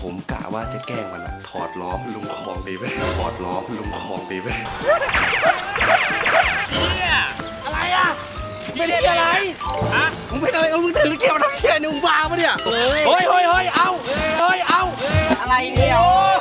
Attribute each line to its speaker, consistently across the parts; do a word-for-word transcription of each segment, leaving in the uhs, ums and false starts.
Speaker 1: ผมกะว่าจะแกล้งมันอะถอดล้อลุงคลองดีไหมถอดล้อลุงคลองดีไหม
Speaker 2: เนี่ยอะไรอ่ะ
Speaker 1: ไม่ได้อะไรฮะมึงเป็นอะไรมึงถือเกี่ยวน้ำเชี่ยนี่มึงบ้าปะเนี่ยเฮ้ยเฮ้ยเฮ้ยเอาเฮ้ยเอา
Speaker 2: อะไรเนี่ย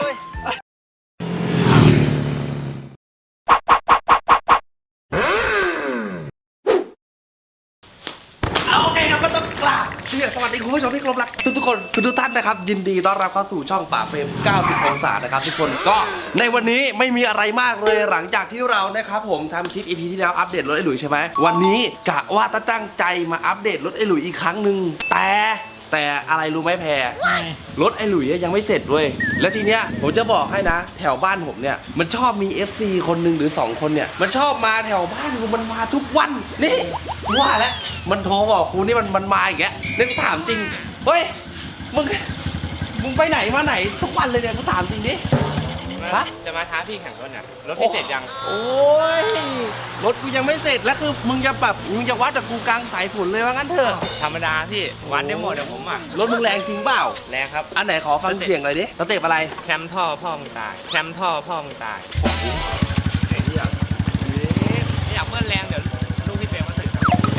Speaker 1: โอเคครับก็ต้องกราบสวัสดีคุณผู้ชมที่เคารพรักทุกทุกคนทุกท่านนะครับยินดีต้อนรับเข้าสู่ช่องป่าเฟรมเก้าสิบองศานะครับทุกคนก็ในวันนี้ไม่มีอะไรมากเลยหลังจากที่เรานะครับผมทำคลิป อี พี ที่แล้วอัปเดตรถไอ้หลุยใช่ไหมวันนี้กะว่าตั้งใจมาอัปเดตรถไอ้หลุยอีกครั้งหนึ่งแต่แต่อะไรรู้ไหมแพรรถไอ้หลุยยังไม่เสร็จด้วยแล้วทีเนี้ยผมจะบอกให้นะแถวบ้านผมเนี่ยมันชอบมี เอฟ ซี คนหนึ่งหรือสองคนเนี่ยมันชอบมาแถวบ้านกูมันมาทุกวันนี่ว่าแล้วมันโทรบอกกูนี่มันมันมาอีกแล้วนึกถามจริงเฮ้ยมึงมึงไปไหนมาไหนทุกวันเลยเนี่ยกูถามจริงดิ
Speaker 2: จะมาท้าพี่แข่งรถเนี่ยรถพี่เสร็จยัง
Speaker 1: โอ้ยรถกูยังไม่เสร็จแล้วคือมึงจะแบบมึงจะวัดกับกูกลางสายฝนเลยว่างั้นเถอะ
Speaker 2: ธรรมดาพี่วัดได้หมดเดี๋ยวผมอ่ะ
Speaker 1: รถมึงแรงจริงเปล่า
Speaker 2: แรงครับ
Speaker 1: อันไหนขอฟังเสียงหน่อยดิสเต็ปอะไร
Speaker 2: แคมท่อพ่อมึงตายแคมท่อพ่อมึงตาย
Speaker 1: ไอ้เหี้ย
Speaker 2: ไม่อยากเบิ้ลแรงเดี๋ยวลูกพี่เฟรมมาถึง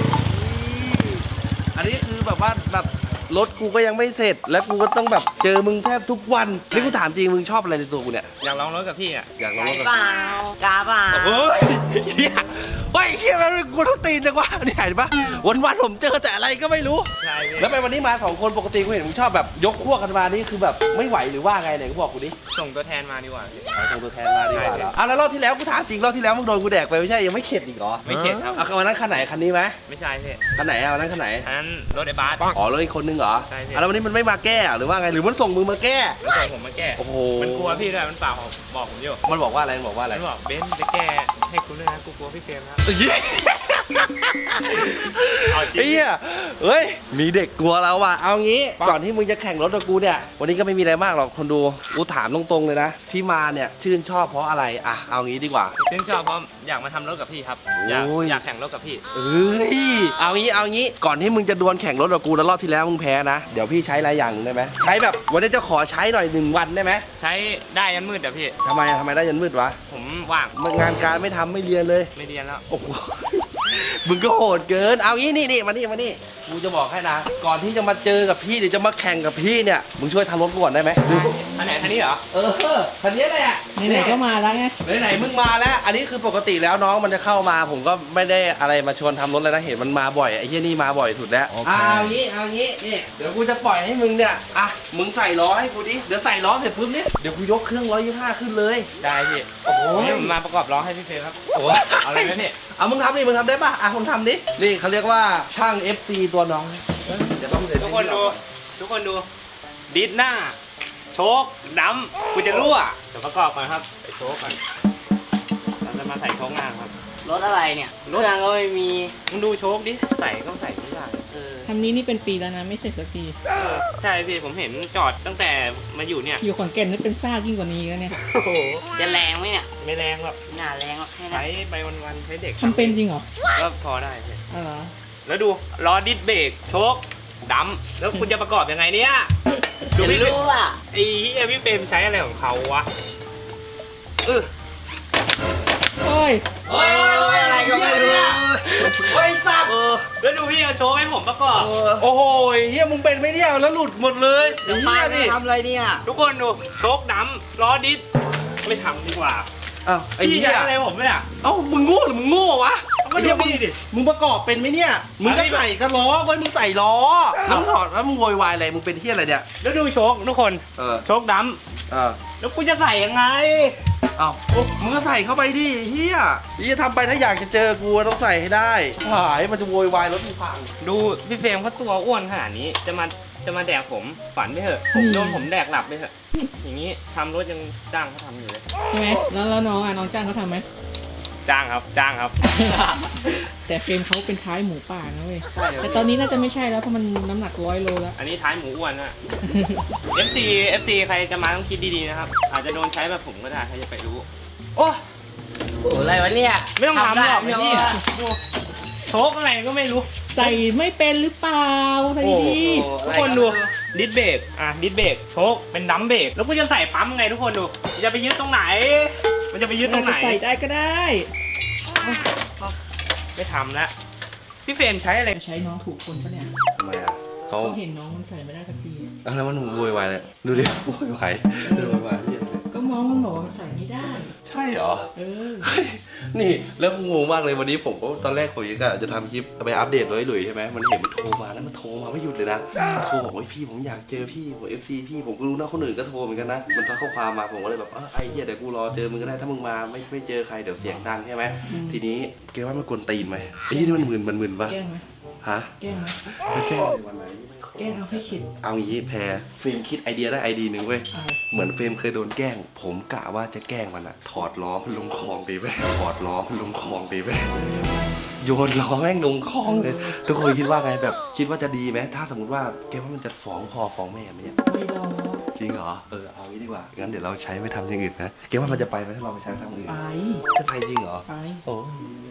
Speaker 1: อันนี้คือแบบว่าแบบรถกูก็ยังไม่เสร็จแล้วกูก็ต้องแบบเจอมึงแทบทุกวันนี่กูถามจริงมึงชอบอะไรในตัวกูเนี่ย
Speaker 2: อยากลองรถกับพี่อ่ะ
Speaker 1: อยากลองรถกับ
Speaker 3: เปล่ากาเปล่า
Speaker 1: เฮ้ยเฮียเฮ้ยเฮียมันกูต้องตีนจังวะนี่เห็นปะวันวันผมเจอแต่อะไรก็ไม่รู้
Speaker 2: ใช่
Speaker 1: แล้วไปวันนี้มาสองคนปกติกูเห็นมึงชอบแบบยกขั้วกันมานี่คือแบบไม่ไหวหรือว่าไงไหนกูบอกกูดิ
Speaker 2: ส่งตัวแทนมาดีกว่า
Speaker 1: ส่งตัวแทนมาดีกว่าอ่ะแล้วรอบที่แล้วกูถามจริงรอบที่แล้วมึงโดนกูแดกไปไม่ใช่ยังไม่เข็ดอีกเหรอ
Speaker 2: ไม่เข็ดครับ
Speaker 1: อ่ะวันนั้นคันไหนคันนี้ไหม
Speaker 2: ไม่ใช่พี่
Speaker 1: คันไหนอ่ะวันนั้นคันไหน
Speaker 2: อันนั้นรถไอ้บาส
Speaker 1: อ๋อรถอีกคนนึงเหรอ
Speaker 2: ใช่พี่
Speaker 1: แล้ววันนี้มันไม่มาแก้หรือว่าไงหรือมันส่งมึงมาแก้
Speaker 2: มันส่งผมมาแก้
Speaker 1: โอ้โห
Speaker 2: มันกลัวพี่ด้วยมันฝากบอกผมอยู่
Speaker 1: มันบอกว่าอะไรมันบอกว่าอะไร
Speaker 2: มันบอกเบนซ์จะแก้ให้กูด้วยนะกูกลัวพี่เฟรมนะ
Speaker 1: เฮ้ยเฮ้ยมีเด็กกลัวเราว่ะเอางี้ก่อนที่มึงจะแข่งรถกับกูเนี่ยวันนี้ก็ไม่มีอะไรมากหรอกคนดูกูถามตรงๆเลยนะที่มาเนี่ยชื่นชอบเพราะอะไรอ่ะเอางี้ดีกว่า
Speaker 2: ชื่นชอบเพราะอยากมาทำรถกับพี่ครับอยากอยากแข่งรถกับพี่
Speaker 1: เอ้ยเอางี้เอางี้ก่อนที่มึงจะดวลแข่งรถกับกูแล้วรอบที่แล้วมึงแพ้นะเดี๋ยวพี่ใช้อะไรอย่างได้ไหมใช้แบบวันนี้จะขอใช้หน่อยหนึ่งวันได้ไหม
Speaker 2: ใช้ได้ยันมืดเดี๋ยวพี่
Speaker 1: ทำไมทำไมได้ยันมืดวะ
Speaker 2: ผมว่าง
Speaker 1: งานการไม่ทำไม่เรียนเลย
Speaker 2: ไม่เรียนแล้ว
Speaker 1: โอ้โหมึงก็โหดเกินเอางี้นี่นี่มานี่มานี่กูจะบอกให้นะก่อนที่จะมาเจอกับพี่หรือจะมาแข่งกับพี่เนี่ยมึงช่วยทำรถก่อนได้ไหม
Speaker 2: คันไหนคันนี้เหรอ
Speaker 1: เออคันนี้แหละ
Speaker 3: ไหนๆก็มาแล้วไง
Speaker 1: ไหนๆมึงมาแล้วอันนี้คือปกติแล้วน้องมันจะเข้ามาผมก็ไม่ได้อะไรมาชวนทำรถเลยนะเห็นมันมาบ่อยไอ้เหี้ยนี่มาบ่อยสุดแล้วเอางี้เอางี้นี่เดี๋ยวกูจะปล่อยให้มึงเนี่ยอ่ะมึงใส่ล้อให้กูดิเดี๋ยวใส่ล้อเสร็จปุ๊บเนี่ยเดี๋ยวกูยกเครื่องร้อยยี่สิบห้าขึ้นเลย
Speaker 2: ได้พี่โอ้โหมาประกอบล้อให้พี่เฟรมครับโอ้เอาอะไรนะพี่
Speaker 1: เอามึงทำดิมึงทำได้ป่ะอ่ะมึงทำดินี่เขาเรียกว่าช่าง เอฟ ซี ตัวน้องเดี๋ยวต้อง
Speaker 2: ทุกคนดูทุกคนดูดิสหน้าโชคดำกูจะรั่วเดี๋ยวประกอบก่อนครับใส่โชคก่อนเราจะมาใส่โชคหน้าครับ
Speaker 3: รถอะไรเนี่ยรถยางก็ไม่มี
Speaker 2: มึงดูโชคดิใส่ก็ใส่ไม่ได้
Speaker 4: คันนี้นี่เป็นปีแล้วนะไม่เสร็จสักที
Speaker 2: ใช่พี่ผมเห็นจอดตั้งแต่มาอยู่เนี่ย
Speaker 4: อยู่ขอนแก่นนี่เป็นซ่ายิ่งกว่านี้แล้วเนี่ย
Speaker 2: โอ้โห
Speaker 3: จะแรงไหมเนี่ย
Speaker 2: ไม่แรงหรอก
Speaker 3: น่าแรงหรอกแค่นั้น
Speaker 2: ใช้ไปวันๆใช้เด็ก
Speaker 4: ทำเป็นจริงเหรอ
Speaker 2: ก็พอได้พี่
Speaker 4: อ๋อ
Speaker 2: แล้วดูล้อดิสเบรกโชคดำแล้วคุณจะประกอบยังไงเนี่ย
Speaker 3: ดูไม่รู้อ่ะ
Speaker 2: ไอ้เหี้ยพี่เฟรมใช้อะไรของเขาวะเออ
Speaker 4: โอ้ย
Speaker 2: โอ้ยอะไรก็ไม่รู้
Speaker 1: เฮ้ยสับ
Speaker 2: แล้วดูพี่เอาโชว์ให้ผมประกอบ
Speaker 1: โอ้โหเฮียมึงเป็นไม่เนี่ยแล้วหลุดหมดเลย
Speaker 3: เฮียดิทำอะไรเนี่ย
Speaker 2: ทุกคนดูโชคดำล้อดิสไม่ทำดีกว่า
Speaker 1: อ้าวไอ้เหี้
Speaker 2: ยอะไรผมเนี่ย
Speaker 1: เอ้ามึงโง่หรือมึงโง่วะ
Speaker 2: ไอ้เหี้ยมึงดิ
Speaker 1: มึงประกอบเป็นไหมเนี่ยมึงก็ใส่กระล้อไว้มึงใส่ล้อแล้วมึงถอดแล้วมึงโวยวายอะไรมึงเป็นเหี้ยอะไรเนี่ย
Speaker 2: แล้วดูโชคทุกคนโชคด
Speaker 1: ำ
Speaker 2: แล้วกูจะใส่ยังไง
Speaker 1: อ้าวมึงก็ใส่เข้าไปดิเฮียนี่จะทำไปถ้าอยากจะเจอกูต้องใส่ให้ได้หายมันจะโวยวายรถมึงพัง
Speaker 2: ดูพี่เฟรมเขาตัวอ้วนขนาดนี้จะมาจะมาแดกผมฝันไม่เถอะผมโดนผมแดกหลับไปเถอะอย่างนี้ทำรถยังจ้างเขาทำอยู่เลย
Speaker 4: ใช่ไหมแล้วแล้วน้องอ่ะน้องจ้างเขาทำไหม
Speaker 2: จ้างครับจ้างครับ
Speaker 4: แต่เฟรมเขาเป็นท้ายหมูป่านะเว้ยแต่ตอนนี้น่าจะไม่ใช่แล้วเพราะมันน้ำหนักร้อยโลแล้ว
Speaker 2: อันนี้ท้ายหมูอ้วนนะ เอฟ ซี เอฟ ซี ใครจะมาต้องคิดดีๆนะครับอาจจะโดนใช้แบบผมก็ได้ใครจะไปรู้โอ้
Speaker 3: โหอะไรวะเนี่ย
Speaker 2: ไม่ต้องทำหรอกพี่โชคอะไรก็ไม่รู้
Speaker 4: ใส่ไม่เป็นหรือเปล่าใส่ดี
Speaker 2: ทุกคนดูดิสเบรกอ่ะดิสเบรกโชคเป็นดัมเบรกแล้วกูจะใส่ปั๊มไงทุกคนดูจะไปยึดตรงไหน มันจะไปยึดตรงไหน
Speaker 4: ใส่ได้ก็ได้
Speaker 2: ไม่ทำแล้วพี่เฟรมใช้อะไร
Speaker 4: จะใช้น้องถูกคนปะเนี่ย
Speaker 1: ทำไมอ่ะเขา
Speaker 4: เขาเห็นน้องมันใส่ไม่ได้สักที
Speaker 1: เอาแล้วมันโวยวายเลยดูดิโวยวายดูโวยวายที่
Speaker 4: ก็มองมันบอกว่ามันใส่ไม่ได้
Speaker 1: ใช่เหรอ
Speaker 4: เออ
Speaker 1: เฮ้ยนี่แล้วงงมากเลยวันนี้ผมก็ตอนแรกผมก็จะทำคลิปไปอัปเดตร้อยหลุยใช่ไหมมันเห็นมันโทรมาแล้วมันโทรมาไม่หยุดเลยนะโทรบอกว่าพี่ผมอยากเจอพี่ผมเอฟซีพี่ผมก็รู้นะคนอื่นก็โทรเหมือนกันนะมันทักข้อความมาผมก็เลยแบบเออไอ้เหี้ยเดี๋ยวกูรอเจอมึงก็ได้ถ้ามึงมาไม่ไม่เจอใครเดี๋ยวเสียงดังใช่ไหม
Speaker 4: อืม
Speaker 1: ทีนี้แกว่ามันกวนตีนไหมไอ้ที่มันมึนมันมึนปะ
Speaker 4: แกล้งไหม
Speaker 1: ฮะ
Speaker 4: แกล้งไหม
Speaker 1: ไม่แกล้งเลยวันไหน
Speaker 4: แกล้งเอาให้เข็ด
Speaker 1: เอางี้แพรเฟรมคิดไอเดียได้ไอเดียหนึ่งเว้ย
Speaker 4: เอา
Speaker 1: เหมือนเฟรมเคยโดนแกล้ง ผมกะว่าจะแกล้งมันอะถอดล้อมันลงคลองไปไปถอดล้อมันลงคลองไปไปโยนล้อแม่งลงคลองเลยทุกคนคิดว่าไงแบบคิดว่าจะดีไหมถ้าสมมติว่าแกว่ามันจะฟ้องพ่อฟ้องแม่ไหมเนี่ย
Speaker 4: ไม่ลอง
Speaker 1: จริงเหรอเออเอางี้ดีกว่างั้นเดี๋ยวเราใช้ไปทำอย่างอื่นนะแกว่ามันจะไปไหมถ้าเราไปใช้ไปทำอย่างอื่น
Speaker 4: ไป
Speaker 1: จะไปจริงเหรอ
Speaker 4: ไป
Speaker 1: โอ้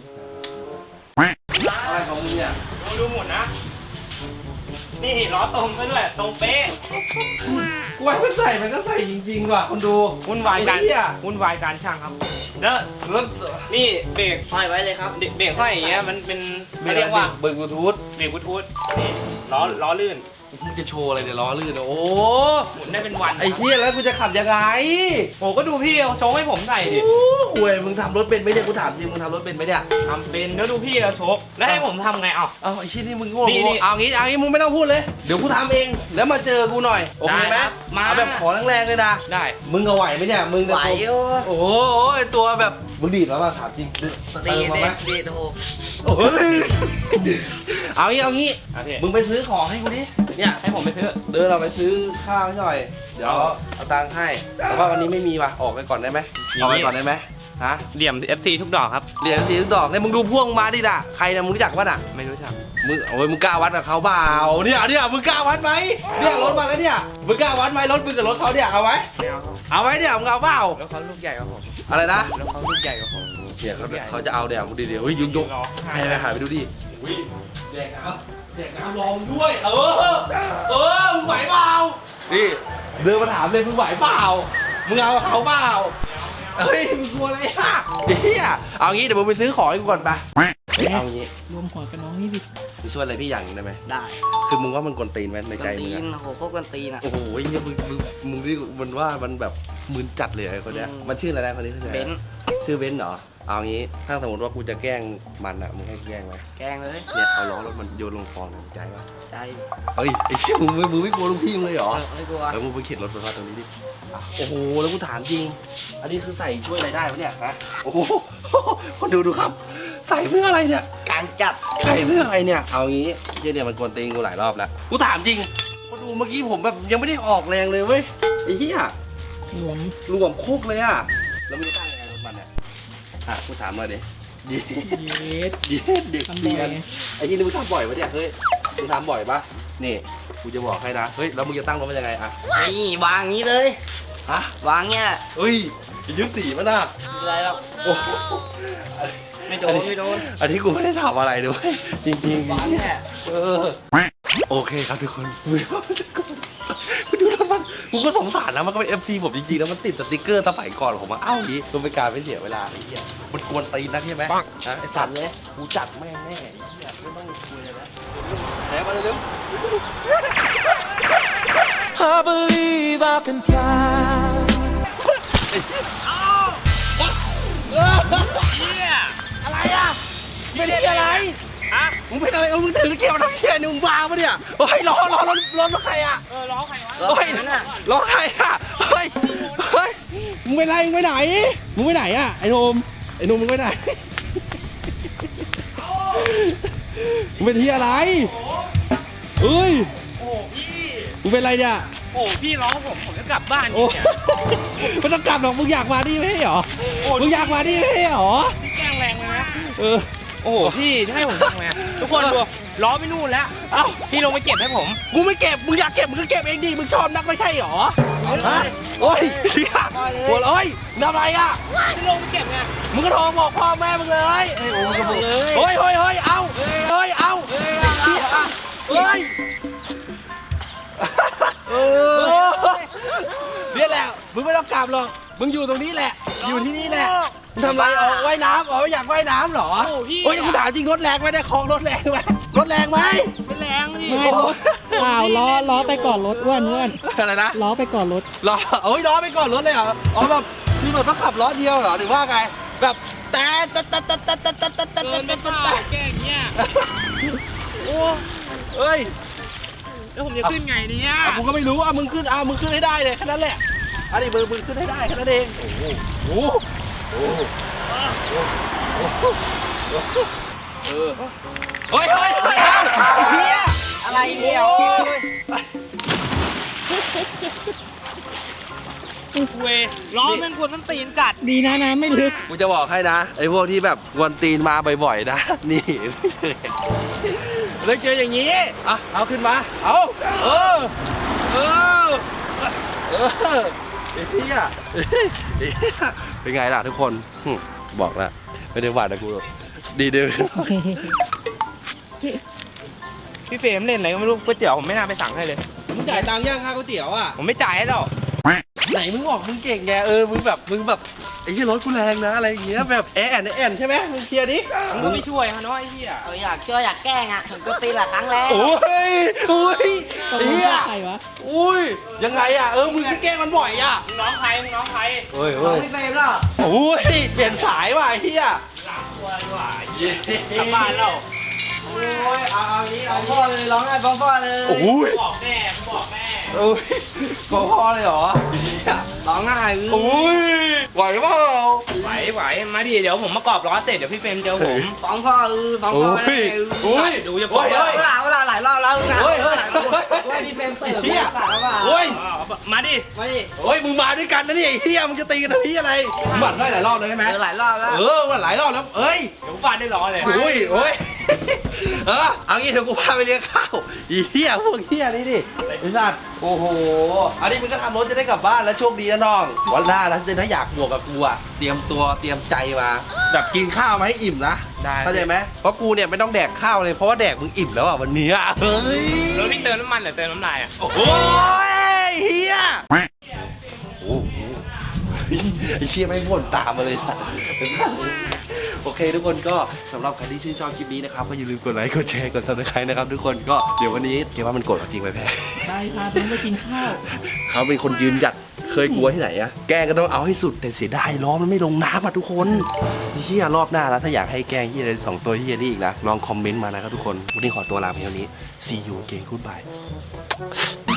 Speaker 1: อะไรของมึงเนี่ย
Speaker 2: ลองดูหมดนะนี่ล้อตรงไปด้วยตรงเป๊ะ
Speaker 1: กูว่ามันใส่มันก็ใส่จริงๆว่ะคนดู
Speaker 2: วุ่นวายการ
Speaker 1: ไอ้เหี้ย
Speaker 2: วุ่นวายการช่างครับแล้ว
Speaker 1: รถ
Speaker 2: นี่เบรก
Speaker 3: ห้อยไว้เลยครับ
Speaker 2: เบรกห้อยอย่างเงี้ยมันเป็นเขาเรียกว่า
Speaker 1: เบิร์กบลูทูธ
Speaker 2: เบรกบลูทูธนี่ล้อล้อลื่น
Speaker 1: มึงจะโชว์อะไรเนี่ยล้อลื่นอะโอ้
Speaker 2: หมุนได้เป็นวัน
Speaker 1: ไอ้เหี้ยแล้วกูจะขับยังไง
Speaker 2: โอ้ก็ดูพี่เอาโชว์ให้ผมใส่ดิ
Speaker 1: โอ้โหมึงทำรถเป็นไหมเนี่ยกูถามจริงมึงทำรถเป็นไหมเนี่ย
Speaker 2: ทำเป็นแล้วดูพี่เอาโชว์แล้วให้ผมทำไงเอา
Speaker 1: เอาไอ้ชิ้นนี้มึงโง่
Speaker 2: นี่นี่
Speaker 1: เอางี้เอางี้มึงไม่ต้องพูดเลยเดี๋ยวกูทำเองแล้วมาเจอกูหน่อยโอเคไหม
Speaker 2: ได้ครับมา
Speaker 1: เอาแบบขอแรงๆเลยนะ
Speaker 2: ได้
Speaker 1: มึงเอาไหวไหมเนี่ยมึง
Speaker 3: ไหวอยู่
Speaker 1: โอ้โหไอ้ตัวแบบมึงดีดแล้วมาถามจริงเติ
Speaker 3: ดี
Speaker 1: มมา
Speaker 3: เด็
Speaker 1: ไหม
Speaker 3: ดดีโท
Speaker 1: โอ้ยเอางี้เอางี้
Speaker 2: โอเค
Speaker 1: มึงไปซื้อของให้กูดิเนี่ย
Speaker 2: ให้ผมไปซื้อ
Speaker 1: เดินเราไปซื้อข้าวให้หน่อย เดี๋ยว
Speaker 2: เอา
Speaker 1: เอาตังค์ให้ แต่ว่าวันนี้ไม่มีว่ะ ออกไปก่อนได้ไหม
Speaker 2: อย่าง
Speaker 1: ออกไป
Speaker 2: นี้
Speaker 1: ก่อนได้ไหมฮะ
Speaker 2: เหลี่ยม เอฟ ซี ทุกดอกครับ
Speaker 1: เหรียญสีดอกเนี่ยมึงดูพ่วงมาดิด่ะใครนะมึงรู้จักป่ะน่ะ
Speaker 2: ไม่รู้จัก
Speaker 1: มึงโอ้ยมึงกล้าวัดกับเขาเปล่าเนี่ยเนี่ยมึงกล้าวัดไหมเนี่ยรถมาแล้วเนี่ยมึงกล้าวัดไหมรถมึงกับรถเขาเนี่ยเอาไว้
Speaker 2: ไม่เอาครับ
Speaker 1: เอาไว้เนี่ยมึงเอาเปล่า
Speaker 2: แล้วเขาลูกใหญ่กว่าผม
Speaker 1: อะไรนะ
Speaker 2: แล้วเขาลูกใหญ่กว่าผม
Speaker 1: เนี่ยเขาเขาจะเอาเดี๋ยวมึงดิเดี๋ยวเฮ้ยยกยก
Speaker 2: รอ
Speaker 1: ไปไปหาไปดูดิอุ้ยแดกน้ำแดกน้ำรองด้วย เออเออมึงไหวเปล่านี่เดินมาถามเลยมึงไหวเปล่ามึงเอากับเขาเปล่าเฮ้ยมึงกลัวอะไรอ่ะเฮียเอางี้เดี๋ยวมึงไปซื้อของให้กูก่อนไปเอางี้
Speaker 4: รวมหัวกับน้องนี่ดิ
Speaker 1: มึงช่วยอะไรพี่อย่างหนึงได้ไหม
Speaker 3: ได้
Speaker 1: คือมึงว่ามันกวนตีนไหมในใจ
Speaker 3: กัน
Speaker 1: มึ
Speaker 3: ตี
Speaker 1: ง
Speaker 3: น
Speaker 1: อะ
Speaker 3: โอ้โหโคตรกันตีนอ่ะ
Speaker 1: โอ้โหเฮียมึงมึงมึงนี่มันว่ามันแบบมึนจัดเลยไอ้คนเนี้ย
Speaker 3: อืม
Speaker 1: มันชื่ออะไรนะคนนี้ชื่ออะไร
Speaker 3: เบนซ์
Speaker 1: ชื่อเบนซ์เหรอเอางี้ถ้าสมมติว่ากูจะแกล้งมันอะมึงให้แกล้งไหม
Speaker 3: แกงเลย
Speaker 1: เนี่ยเอาล้อรถมันโยนลงคลองหน่อยใจปะ
Speaker 3: ใจ
Speaker 1: เฮ้ยไอ้เหี้ยมึงไม่มึงไม่กลัวลูกพี่มึงเลยเหรอ
Speaker 3: เออไม่กลัว
Speaker 1: เออมึงไปเข็นรถไปว่าตรงนี้ดิอ่ะโอ้โหแล้วกูถามจริง อันนี้คือใส่ช่วยอะไรได้ปะเนี่ยฮะโอ้โหคนดูดูครับ ใส่เพื่ออะไรเนี่ย
Speaker 3: การจับ
Speaker 1: ใส่เพื่ออะไรเนี่ยเอางี้เหี้ยเนี่ยมันกวนตีนกูหลายรอบแล้วกูถามจริงคนดูเมื่อกี้ผมแบบยังไม่ได้ออกแรงเลยเว้ยไอ้เหี้ย
Speaker 4: รวม
Speaker 1: รวมโคกเลยอะแล้วมึงจะตั้งยังไงรถมันเนี่ยอ่ะกูถามมาดิดี
Speaker 4: เย็ด
Speaker 1: ดีเด็ก
Speaker 4: ทำบ่
Speaker 1: เรี
Speaker 4: อย
Speaker 1: ยน
Speaker 4: ไง
Speaker 1: ไอ้ที่นี่มึงทำบ่อยปะเนี่ยเฮ้ยมึงทำบ่อยปะนี่กูจะบอกให้นะเฮ้ยแล้วมึงจะตั้งรถมันยังไงอะ
Speaker 3: นี่วางงี้เลย
Speaker 1: ฮะ
Speaker 3: วางเนี่ย
Speaker 1: เฮ้ยยึดสีมันอะ
Speaker 3: อะไรหรอก
Speaker 1: โอ้โห
Speaker 3: ไม่โดนไม่โดน
Speaker 1: อันนี้กูไม่ได้ทำอะไรด้วยจริงๆ
Speaker 3: วางเนี่ย
Speaker 1: เออโอเคครับทุกคนมึงว่ามันจะกูกูดูแล้วมันกูก็สงสารนะมันก็เป็น เอฟ ซี ผมจริงๆแล้วมันติดสติกเกอร์สมัยก่อนผมมาเอ้าดิมันเป็นการไม่เสียเวลาไอ้เหี้ยมันกวนตีนนะใช่ไหมนะไอ้สัตว์เลยกูจัดแม่งแน่ไอ้เหี้ยไม่ต้องคุยเลยนะแถมมาเร็ว
Speaker 5: I believe I can fly.
Speaker 2: เนี่ย
Speaker 1: อะไรอ่ะไม่ได้อะไร
Speaker 2: ฮะ
Speaker 1: มึงเป็นอะไรเออมึงถือเกี่ยวน้ำเชี่ยนี่มึงบ้าปะเนี่ยเฮ้ยล้อล้อรถรถใครอ่ะ
Speaker 2: เออล้อใครวะ
Speaker 1: เฮ้ยล้อใครอ่ะเฮ้ยเฮ้ยมึงเป็นไรมึงไปไหนมึงไปไหนอ่ะไอ้โนมไอ้โนมมึงไปไหนมึงเป็นที่อะไรเฮ้ย
Speaker 2: โอ้โหพี่
Speaker 1: มึงเป็นไรเนี่ย
Speaker 2: โอ้โหพี่ร้องผมผมจะกลับบ้าน
Speaker 1: โอ้
Speaker 2: เนี่ย
Speaker 1: ไม่ต้องกลับหรอกมึงอยากมาดิไม่ใช่เหรอ
Speaker 2: โอ้
Speaker 1: มึงอยากมาดิไม่ใช่เหรอ
Speaker 2: พี่แกล้งแรงเลยนะ
Speaker 1: เออ
Speaker 2: โอ้โหพี่จะให้ผมทำไงทุกคนดูล้อไปนู่นแล้ว
Speaker 1: เอ้า
Speaker 2: พี่ลงไปเก็บให้ผม
Speaker 1: กูไม่เก็บมึงอยากเก็บมึงก็เก็บเองดิมึงชอบนักไม่ใช่เหรอฮะโอ้ยเชี่ยหัวเอ้ยทำอะไรอ่ะ
Speaker 2: จะลงไปเก็บไง
Speaker 1: มึงก็โทรบอกพ่อแม่มึงเลยเฮ้ยโอ้มึงก็บอกเฮ้ยเฮ้ยเฮ้ยเอาเฮ้ยเอาเฮ้ยเฮ้ยเออเนี่ยแหละมึงไม่ต้องกลับหรอกมึงอยู่ตรงนี้แหละ อยู่ที่นี่แหละมึงทำไรออกว่ายน้ำอ๋ออยากว่ายน้ำเหรอโอ้ยกูถามจริงรถแรงไหมได้คลองรถแรงไหมรถแรงไหม
Speaker 2: ไม่แรงดิ
Speaker 4: ไม่รถเปล่าล้อล้อไปก่อนรถอ้วนอ้วน
Speaker 1: อะไรนะ
Speaker 4: ล้อไปก่อนรถ
Speaker 1: ล้อโอ้ยล้อไปก่อนรถเลยเหรออ๋อแบบคือแบบต้องขับล้อเดียวเหรอหรือว่าไงแบบแต่แต่แต่แต่แต่แต่แต่แต่แต่
Speaker 2: เกินไป
Speaker 1: แต่
Speaker 2: เปล่า
Speaker 1: แต่
Speaker 2: แกอย่างเงี้ยโอ้
Speaker 1: เอ้ย
Speaker 2: แล้วผมจะขึ้นไงเนี่ย
Speaker 1: อ่ะกูก็ไม่รู้อ่ะมึงขึ้นอ่ะมึงขึ้นให้ได้เลยแค่นั้นแหละอันนี้มึงมึงขึ้นให้ได้แค่นั้นเองโอ้โหโอ้โหโอ้โหโอ้โหเออเฮ้ยเฮ้ยเฮ้ยไอ้เหี้ย
Speaker 3: อะไรเนี่ย
Speaker 1: โอ้ย
Speaker 2: เวยล้อแม่งควรต้องตีนกัด
Speaker 4: ดีนะนะไม่ลึก
Speaker 1: กูจะบอกให้นะไอ้พวกที่แบบกวนตีนมาบ่อยๆนะนี่แล้วเจออย่างนี้อ่ะเอาขึ้นมาเอาเออเออเออไอ้เหี้ยไอ้เหี้ยเป็นไงล่ะทุกคนหึบอกแล้วไม่ได้หวาดนะกูหรอกดีเด้อ
Speaker 2: พี่เฟรมเล่นอะไรก็ไม่รู้ก๋วยเตี๋ยวผมไม่น่าไปสั่งให้เลย
Speaker 1: มึงจ่ายตังค์ย่างค่าก๋วยเตี๋ยวอ่ะ
Speaker 2: ผมไม่จ่ายให้หรอก
Speaker 1: ไหนมึงบอกมึงเก่งไงเออมึงแบบมึงแบบไอ้ที่รถกูแรงนะอะไรอย่างเงี้ยแบบแอนแอนใช่ไหมมึงเคลียร์ดิ
Speaker 2: มึงก็ไม่ช่วยฮะเนาะไอ้เหี้ย
Speaker 3: เอออยากช่วยอยากแกล้งอ่ะถึงก็ตีละครั้งแล้ว
Speaker 1: โอ้ยโอ้ย
Speaker 4: ตกลง
Speaker 1: เฮีย
Speaker 4: ใครวะ
Speaker 1: อุ้ยยังไงอ่ะเออมึงไปแกล้งมันบ่อยอ่ะ
Speaker 2: มึงน้องใครมึงน้องใคร
Speaker 1: เฮ้ย
Speaker 3: น้อ
Speaker 1: เฮ้
Speaker 3: ง
Speaker 1: ย
Speaker 3: พี่เฟรมแล้ว
Speaker 1: โอ้ยเปลี่ยนสายว่ะไอ้เฮีย
Speaker 2: หลังตัวดีกว่าเหี้ยกลับบ้านแล้ว
Speaker 1: โอ้ยเอาเอานี้
Speaker 3: ฟ้อ
Speaker 1: เอา
Speaker 3: งพ่อเลยร้องไห้ฟ้องพ่อเลย
Speaker 1: โอ้ย
Speaker 2: บอกแม่มึงบอกแม่
Speaker 1: โอ้ยบอกพ่อเลยเหรอเฮีย
Speaker 3: ร้องไห้
Speaker 1: โอ้ยไหวเปล่า
Speaker 2: ไหวไหวมาดิเดี๋ยวผมมากรอบล้อเสร็จเดี๋ยวพี่เฟรมเจอผม
Speaker 3: ฟ้องพ่อเออฟ้อง
Speaker 1: โอ้
Speaker 3: พ่อเลย
Speaker 1: โอ้ย
Speaker 2: ดูจะฟ้อง
Speaker 1: โอ้ย
Speaker 3: เวลาเวลาหลายรอบแล้วนะ
Speaker 1: เฮ้ยเฮ้ย
Speaker 3: ว่าพี่เฟรมเติร์
Speaker 1: เฮีย
Speaker 3: สาแล้วว่า
Speaker 1: โอ้ย
Speaker 2: อ๋อมาดิ
Speaker 3: มาดิ
Speaker 1: โอ้ยมึงมาด้วยกันนะเนี่ยไอ้เฮียมึงจะตีกันทำพี่อะไรหมัดได้หลายรอบเลยใช่ไหม
Speaker 3: เจอหลายรอบแล้ว
Speaker 1: เออหมัดหลายรอบแล้วเอ้ย
Speaker 2: เดี๋ยวฟาดได้ล้อเลย
Speaker 1: โอ้ยโอ้ยเออเอางี้เดี๋ยวกูพาไปเลี้ยงข้าวอีเหี้ยพวกเหี้ยนี่ดิไอ้สัตว์โอ้โหอันนี้มึงก็ทำรถจะได้กลับบ้านแล้วโชคดีนะน้องวันหน้านะถ้าอยากบวกกับกูอะเตรียมตัวเตรียมใจมาแบบกินข้าวมาให้อิ่มนะ
Speaker 2: ได้
Speaker 1: เข้าใจไหมเพราะกูเนี่ยไม่ต้องแดกข้าวเลยเพราะว่าแดกมึงอิ่มแล้วอะวันนี้อะเฮ้ย
Speaker 2: แล้วพี่เติมน้ำมันหรือเติมน้ำลายอ่ะ
Speaker 1: โอ้ยเหี้ยโอ้โหไอ้เชี่ยไม่บ่นตามมาเลยสัตว์โอเคทุกคนก็สำหรับใครที่ชื่นชอบคลิปนี้นะครับก็อย่าลืมกดไลค์กดแชร์กดซับสไครต์นะครับทุกคนก็เดี๋ยววันนี้เกว่ามันกดเอาจริงไปแพ้
Speaker 4: ไปพาน้องไปกินข้าว
Speaker 1: เขาเป็นคนยืนหยัดเคยกลัวที่ไหนอะแกล้งก็ต้องเอาให้สุดแต่เสียดายล้อมันไม่ลงน้ำอะทุกคนเฮียรอบหน้าแล้วถ้าอยากให้แกล้งเฮียอะไรสองตัวเฮียนี่อีกนะลองคอมเมนต์มานะครับทุกคนวันนี้ขอตัวลาไปเท่านี้ see you again goodbye